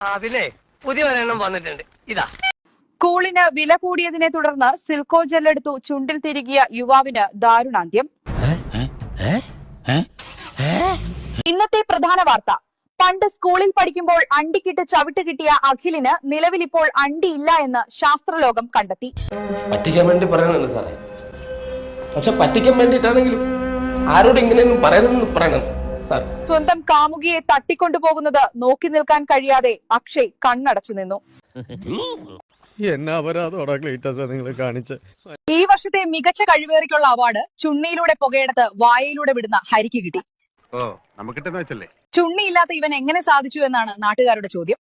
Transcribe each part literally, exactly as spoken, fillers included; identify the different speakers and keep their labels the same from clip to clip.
Speaker 1: പിന്നെ പുതിയ ഒരെണ്ണം വന്നിട്ടുണ്ട്. ഇതാ.
Speaker 2: കൂളിന് വില കൂടിയതിനെ തുടർന്ന് സിൽക്കോ ജെല്ലെടുത്തു ചുണ്ടിൽ തിരികിയ യുവാവിന് ദാരുണാന്ത്യം. ഇന്നത്തെ പ്രധാന വാർത്ത. പണ്ട് സ്കൂളിൽ പഠിക്കുമ്പോൾ അണ്ടിക്കിട്ട് ചവിട്ട് കിട്ടിയ അഖിലിന് നിലവിലിപ്പോൾ അണ്ടിയില്ല എന്ന് ശാസ്ത്രലോകം കണ്ടെത്തി.
Speaker 3: പറ്റിക്കാൻ വേണ്ടി പറയണല്ലോ സാറേ, പക്ഷെ പറ്റിക്കാൻ വേണ്ടിയിട്ടാണെങ്കിലും ആരോട് ഇങ്ങനെയൊന്നും പറയണമെന്ന് പറയണം സാർ.
Speaker 2: സ്വന്തം കാമുകിയെ തട്ടിക്കൊണ്ടുപോകുന്നത് നോക്കി നിൽക്കാൻ കഴിയാതെ അക്ഷയ് കണ്ണടച്ചു നിന്നു. ഈ വർഷത്തെ മികച്ച കഴിവേറിക്കുള്ള അവാർഡ് ചുണ്ണിയിലൂടെ പുകയെടുത്ത് വായയിലൂടെ വിടുന്ന ഹരിക്ക് കിട്ടി. ചുണ്ണിയില്ലാത്ത ഇവൻ എങ്ങനെ സാധിച്ചു എന്നാണ് നാട്ടുകാരുടെ ചോദ്യം.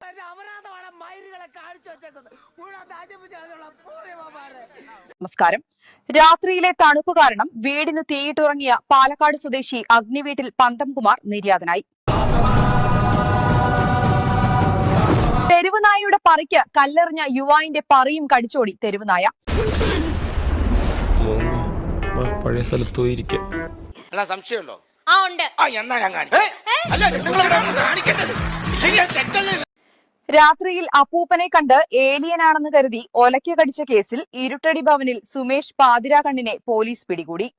Speaker 2: നമസ്കാരം. രാത്രിയിലെ തണുപ്പ് കാരണം വീടിനു തീയിട്ടുറങ്ങിയ പാലക്കാട് സ്വദേശി അഗ്നിവീട്ടിൽ പന്തംകുമാർ നിര്യാതനായി. തെരുവുനായയുടെ പറിക്ക് കല്ലെറിഞ്ഞ യുവാവിന്റെ പറിയും കടിച്ചോടി തെരുവുനായ.
Speaker 4: പഴയ സ്ഥലത്ത് പോയിരിക്കാം.
Speaker 3: സംശയമുണ്ടോ?
Speaker 2: രാത്രിയിൽ അപ്പൂപ്പനെ കണ്ട് ഏലിയനാണെന്ന് കരുതി ഒലയ്ക്ക് കടിച്ച കേസിൽ ഇരുട്ടടി ഭവനിൽ സുമേഷ് പാതിരാകണ്ണിനെ പോലീസ് പിടികൂടി.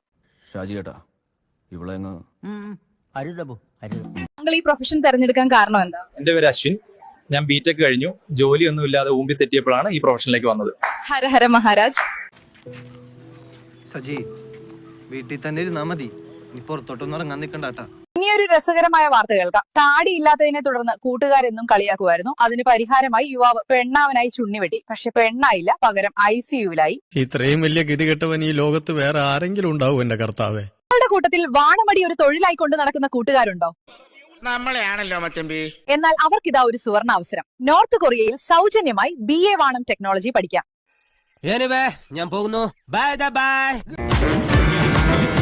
Speaker 2: താങ്കൾ ഈ പ്രൊഫഷൻ തെരഞ്ഞെടുക്കാൻ കാരണം എന്താ?
Speaker 5: എന്റെ പേര് അശ്വിൻ. ഞാൻ ബിടെക് കഴിഞ്ഞു. ജോലിയൊന്നും ഇല്ലാതെ ഊമ്പി തെറ്റിയപ്പോഴാണ് ഈ പ്രൊഫഷനിലേക്ക് വന്നത്.
Speaker 2: ഹരഹര മഹാരാജ്.
Speaker 6: സജി, വീട്ടിൽ തന്നെ ഇരുന്നാ മതി, നീ പുറത്തോട്ടൊന്നും ഇറങ്ങാൻ നിൽക്കണ്ടാട്ടാ.
Speaker 2: ഇനിയൊരു രസകരമായ വാർത്ത കേൾക്കാം. താടി ഇല്ലാത്തതിനെ തുടർന്ന് കൂട്ടുകാരെന്നും കളിയാക്കുമായിരുന്നു. അതിന് പരിഹാരമായി യുവാവ് പെണ്ണാവനായി ചുണ്ണിവെട്ടി. പക്ഷെ പെണ്ണായില്ല, പകരം ഐ സിയുവിലായി.
Speaker 4: ഇത്രയും വലിയ ഗതികെട്ടവൻ ഈ ലോകത്ത് വേറെ ആരെങ്കിലും ഉണ്ടാവും എന്റെ കർത്താവേ.
Speaker 2: നിങ്ങളുടെ കൂട്ടത്തിൽ വാണമടി ഒരു തൊഴിലായി കൊണ്ട് നടക്കുന്ന കൂട്ടുകാരുണ്ടോ?
Speaker 3: നമ്മളെയാണല്ലോ മച്ചമ്പി.
Speaker 2: എന്നാൽ അവർക്കിതാ ഒരു സുവർണ അവസരം. നോർത്ത് കൊറിയയിൽ സൗജന്യമായി ബി എ വാണം ടെക്നോളജി പഠിക്കാം.
Speaker 6: ഞാൻ പോകുന്നു. Bye by.